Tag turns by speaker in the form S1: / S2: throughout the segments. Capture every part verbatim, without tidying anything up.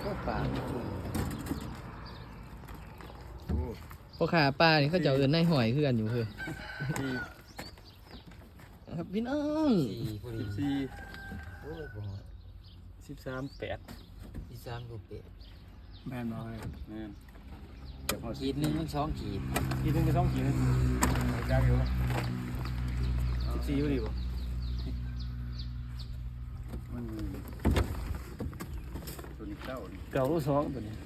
S1: ก็ปลา
S2: พอขาปลานี่เขาจะเอินในหอยคือกันอยู่คือครับพี่น้อง
S1: สี่พอดี
S3: สี่
S1: โอ้ยบ่ฮอด
S3: สิบสามแปด
S1: ที่สามลูกเป็ด
S4: แม่นบ่เลย
S3: แม่น
S4: เดี๋ยวพอ
S1: ขีดหนึ่งมันสองขีด
S3: ขีดหนึงไปสองขีดนึงจ้าอยู่สิบสี่พอดีป่ะ
S4: มันตัวนี้เก้านี่
S3: เก่าลูกสองตัวนี้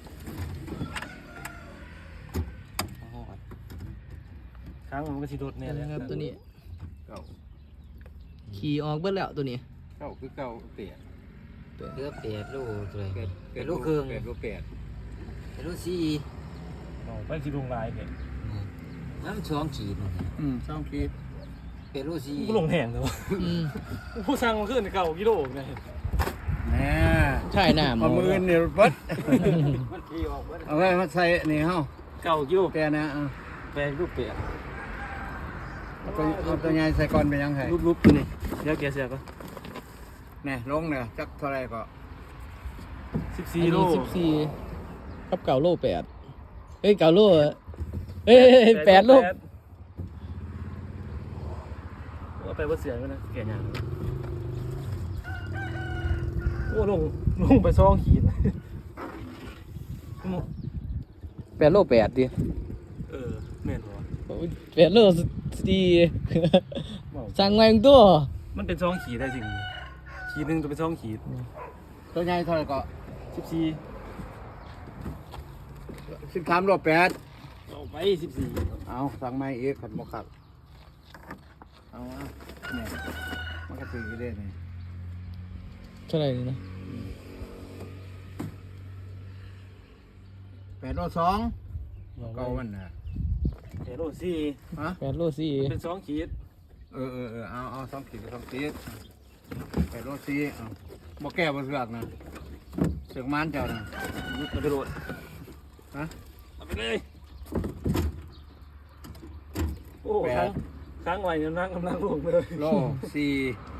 S1: บ่ฮอด
S3: ค้างมันก็สิโดดแน่เลย
S2: ครับตัวนี้
S4: เก้า
S2: ขี่ออกเบิดแล้วตัวนี้
S4: เก้าคือเก้าเปียด
S1: เหลือเป็ดลูกเลย
S4: เป็ด
S1: เป็ดลูกครึ่ง
S4: เป็ดลูกเปียด
S1: เป็ดลูกสี่
S3: เอาไปสิลงลายเนี่ย
S1: น้ำสองขีดนั่นน่ะ
S4: อืมสองขีด
S1: เป็ดลูกสี่
S3: กูลงแหงเลยวะ
S2: อืม
S3: ผู้สั่งมาขึ้นเก่ากิโลไง
S4: แหน่
S2: ใช่หน้าหม
S4: เอา
S2: อ
S4: มือเนี่ยเบิด
S1: มันขี่ออกเบิด
S4: เอาไว้มาใส่นี่เฮา
S3: เก่ากิโล
S4: แปรนะเอา
S3: แปลงรูปเปียก
S4: เอาตัวเอาตัวใหญ่ใส่ก่อนไปยังไง
S3: รูปรูปตัวนี้เดี๋ยวแกเสียก็
S4: แน่ลงเนี่ยจักเท่าไรก็
S3: สิบ
S2: อั
S3: สี่
S2: น
S3: โล
S2: นี้สิบสี่กับเก่าโลแปดเฮ้ยเก่าโลเฮ้ยแปดโล
S3: เอาไปว่าเสียก็นะแกยังโอ้ลงลงไปซองขีด
S2: แปดโลแปดดิ
S3: เออแม่นบ่
S2: แปดโลสี่สั่งมาอย่างตัว
S3: มันเป็นซองขีดได้จริงขีดหนึ่งตัวเป็นซองขีด
S4: ตัวใหญ่เท่าไรก็
S3: สิบสี่
S4: สิบสามโลแปด
S3: เอาไปสิบสี่
S4: เอาสั่งไม้อีกขันบ่ขัดเอาเอาเนี่ยมันก็ตีกันได้นี่
S2: เท่าไหร่นี่นะ
S4: แปดโลสองเก้ามันนะ
S3: เดี๋ยวโลสี่
S4: ฮะ
S2: แปดโลสี่
S3: เป็นซองขีด
S4: เออเออเออเอาเอาสองขีดสองขีดแปดโลสี่เอาบ่แก้บ่เสือกนะเสือกมันเจ้านะ
S3: เอาไปโหลด
S4: ฮะ
S3: เอาไปเลยโอ้ค้างค้างไว้กำลังกำลังลงเลย
S4: โลสี่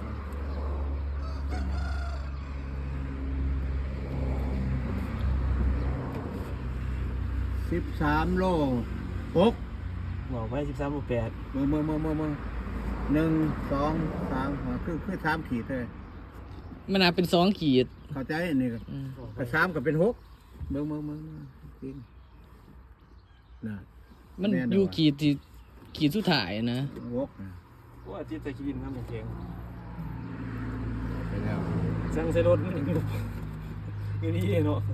S4: สิบสามโลหก
S3: บอกไปสิบสามบวกแปด
S4: มือมือมือมือมือหนึ่งสองสามหัวคือคือสามขีดเลย
S2: มันอาจเป็นสองขีด
S4: เข้าใจนี่ก็
S2: อืม
S4: ก็สามก็เป็นหกมือมือมือมือจริงนะ
S2: มันอยู่ขีดที่ขีดสุดท้ายนะ
S4: หกนะ
S3: ว่าอาทิตย์ตะกี้น้ำมันแข็ง
S4: ไปแล้ว
S3: สั่งใส่รถมันอย่างนี้อยู่นี่เนาะ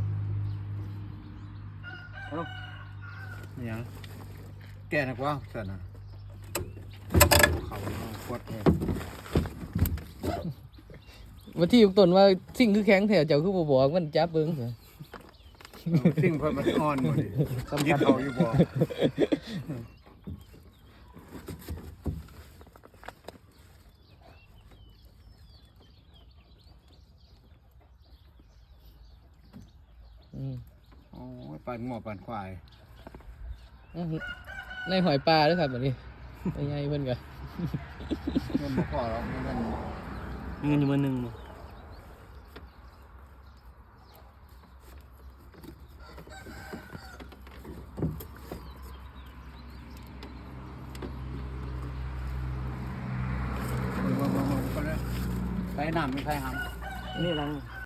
S4: นี่ยังแก่นักว่าสันนะเขาปวดเลย
S2: วันที่ยุกต้นว่าสิ่งคือแข็งแถวเจ้าคือบ่บอกมันจับเบิ่งเถอะ
S4: สิ่งเพิ่นมันอ่อนหมดดิสำคัญเอาอยู่บ่
S2: อืม
S4: โอ้ยปั่นหม้อปั่นควาย
S2: อื้อหือในหอยปลาด้วยครับแบบนี้ไม่ใหญ่เพิ่นก็
S4: เงินบ่พอหรอกเงิน
S3: เงินอยู่มือหนึ่ง
S4: มือมือมือมือก็เลยใส่น้ำไม่ใส่ห
S3: นี่รัง